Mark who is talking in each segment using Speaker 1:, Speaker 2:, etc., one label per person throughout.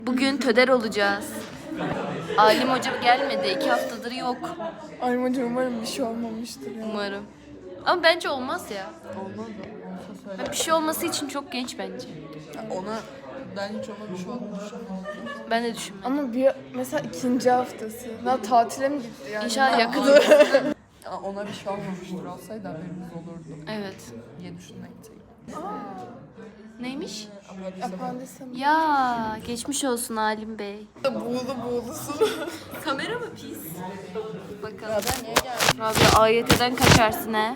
Speaker 1: Bugün töder olacağız. Alim hoca gelmedi. 2 haftadır yok.
Speaker 2: Alim hoca umarım bir şey olmamıştır ya.
Speaker 1: Umarım. Ama bence olmaz ya.
Speaker 2: Olmaz o.
Speaker 1: Bir şey olması için çok genç bence.
Speaker 2: Ona ben hiç ona bir şey olduğunu düşünmüyorum.
Speaker 1: Ben de düşünmüyorum.
Speaker 2: Ama bir mesela ikinci haftası. Daha tatile mi gitti yani?
Speaker 1: İnşallah yakın.
Speaker 2: Ona bir şey olmamıştır. Olsaydı haberimiz olurdu
Speaker 1: Evet.
Speaker 2: diye düşünmekteyim.
Speaker 1: Neymiş?
Speaker 2: Apandisem.
Speaker 1: Ya geçmiş olsun Alim Bey.
Speaker 2: Buğulusu.
Speaker 1: Kamera mı pis? Bakalım.
Speaker 2: Ben niye geldim?
Speaker 1: Rabia AYT'den kaçarsın he.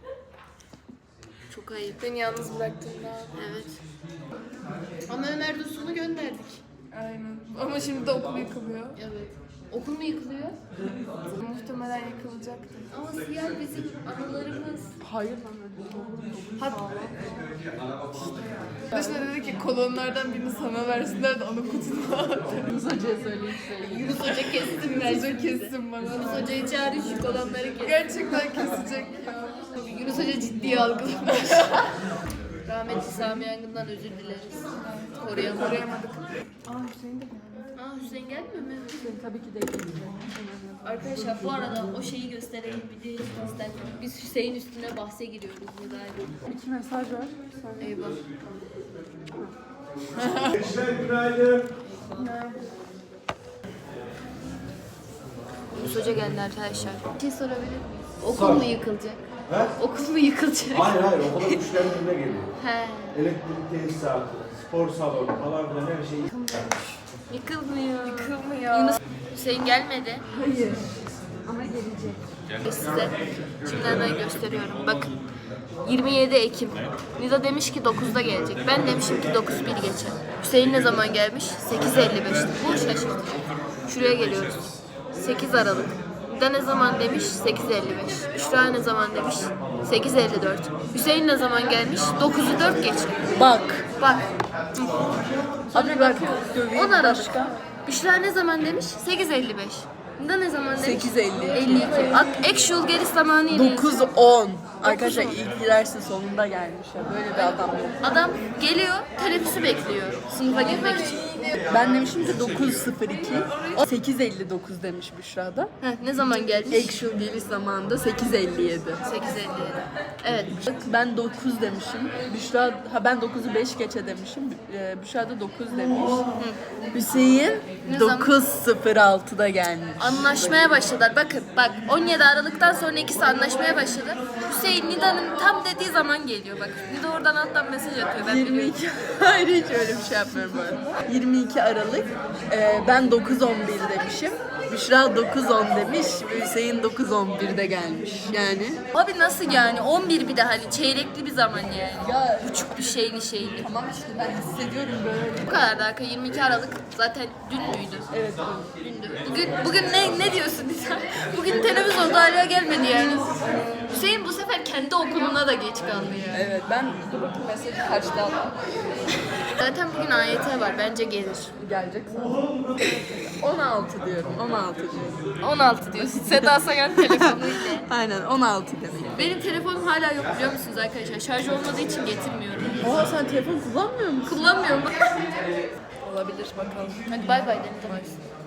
Speaker 1: Çok ayıp.
Speaker 2: Beni yalnız bıraktın daha.
Speaker 1: Evet. Ama Ömer Dursun'u gönderdik.
Speaker 2: Aynen. Ama şimdi de okul yıkılıyor.
Speaker 1: Evet. Okul mu yıkılıyor?
Speaker 2: Muhtemelen yıkılacaktır.
Speaker 1: Ama siyah bizim anılarımız.
Speaker 2: Hayır lan öyle olur. Arkadaşlar dedi ki kolonlardan birini sana versinler de onu kutuna at. Yunus Hoca'ya söyleyip
Speaker 1: Yunus Hoca kessin
Speaker 2: Yunus Hoca kessin bana.
Speaker 1: Yunus Hoca'yı çağırın şu kolanları kes.
Speaker 2: Gerçekten kesecek ya.
Speaker 1: Yunus Hoca ciddiye algılamış. Rahmetli Sami Yangın'dan özür dileriz. Koruyamadık.
Speaker 2: Hüseyin de
Speaker 1: Hüseyin gelmiyor mu?
Speaker 2: Hüseyin tabii ki de gelecek.
Speaker 1: Arkadaşlar bu arada o şeyi gösterelim videodan. Biz Hüseyin üstüne bahse giriyoruz müdahale.
Speaker 2: 2 mesaj var.
Speaker 1: Eyvah.
Speaker 3: Günaydın.
Speaker 1: Yunus Hoca geldi arkadaşlar. Bir şey sorabilir miyiz? Okul mu yıkılacak?
Speaker 3: He?
Speaker 1: Okul mu yıkılacak?
Speaker 3: Hayır okula müşteri önüne geliyor.
Speaker 1: He.
Speaker 3: Elektrik tesisatı, spor salonu falan filan her şey.
Speaker 1: Yıkılmıyor.
Speaker 2: Yıkılmıyor.
Speaker 1: Yunus Hüseyin gelmedi. Hayır. Ama gelecek. Size şimdi hemen gösteriyorum. Bakın. 27 Ekim. Nida demiş ki 9'da gelecek. Ben demişim ki 9.1 geçe. Hüseyin ne zaman gelmiş? 8.55'te. Bu şaşırtıcı. Şuraya geliyoruz. 8 Aralık. Nida ne zaman demiş? 8.55. Büşra ne zaman demiş? 8.54. Hüseyin ne zaman gelmiş? 9'u 4 geçe.
Speaker 2: Bak.
Speaker 1: Bak.
Speaker 2: Abi bak.
Speaker 1: 10 Aralık. Büşra ne zaman demiş? 8.55. Nida ne zaman demiş?
Speaker 2: 8.52.
Speaker 1: 52. Actual geliş zamanı ile.
Speaker 2: 9-10. Arkadaşlar ilk dersin sonunda gelmiş ya. Böyle bir adam yok.
Speaker 1: Adam geliyor, teneffüsü bekliyor sınıfa girmek için.
Speaker 2: Ben demişim ki 9.02. O 8.59 demiş Büşra'da.
Speaker 1: Heh, ne zaman gelmiş?
Speaker 2: Actual geliş zamanında 8.57.
Speaker 1: 8.57. Evet.
Speaker 2: Ben 9 demişim. Büşra, ben 9'u 5 geçe demişim. Büşra da 9 demiş. Hüseyin
Speaker 1: Ne zaman?
Speaker 2: 9.06'da gelmiş.
Speaker 1: Anlaşmaya başladılar. Bakın bak 17 Aralık'tan sonra ikisi anlaşmaya başladı. Hüseyin Nida'nın tam dediği zaman geliyor bak. Nida oradan alttan mesaj atıyor. Ben biliyorum.
Speaker 2: 22 hayır hiç öyle bir şey yapmıyorum böyle. 22 Aralık ben 9.11 demişim. Büşra 9.10 demiş. Hüseyin 9.11'de gelmiş. Yani
Speaker 1: Abi nasıl yani? 11 bir de hani çeyrekli bir zaman yani.
Speaker 2: ya
Speaker 1: Buçuk bir şeyli.
Speaker 2: tamam işte ben hissediyorum böyle.
Speaker 1: Bu kadar da 22 Aralık zaten dün müydü?
Speaker 2: Evet.
Speaker 1: Dündü. Bugün ne diyorsun Nida? Bugün teneffüs oldu hala gelmedi yani. Hüseyin bu sefer kendi okuluna da geç kaldı yani.
Speaker 2: Evet ben dur bakayım mesajı kaçta aldım.
Speaker 1: Zaten bugün AYT var bence gelir.
Speaker 2: Gelecek sana. 16 diyorum. 16 diyorum.
Speaker 1: 16 diyorsun. Seda Sayan telefonuyla.
Speaker 2: Aynen 16 demek.
Speaker 1: Benim telefonum hala yok biliyor musunuz arkadaşlar? Şarj olmadığı için getirmiyorum.
Speaker 2: Oha sen telefon kullanmıyor musun?
Speaker 1: Kullanmıyorum.
Speaker 2: Olabilir bakalım.
Speaker 1: Hadi bay bay dedim.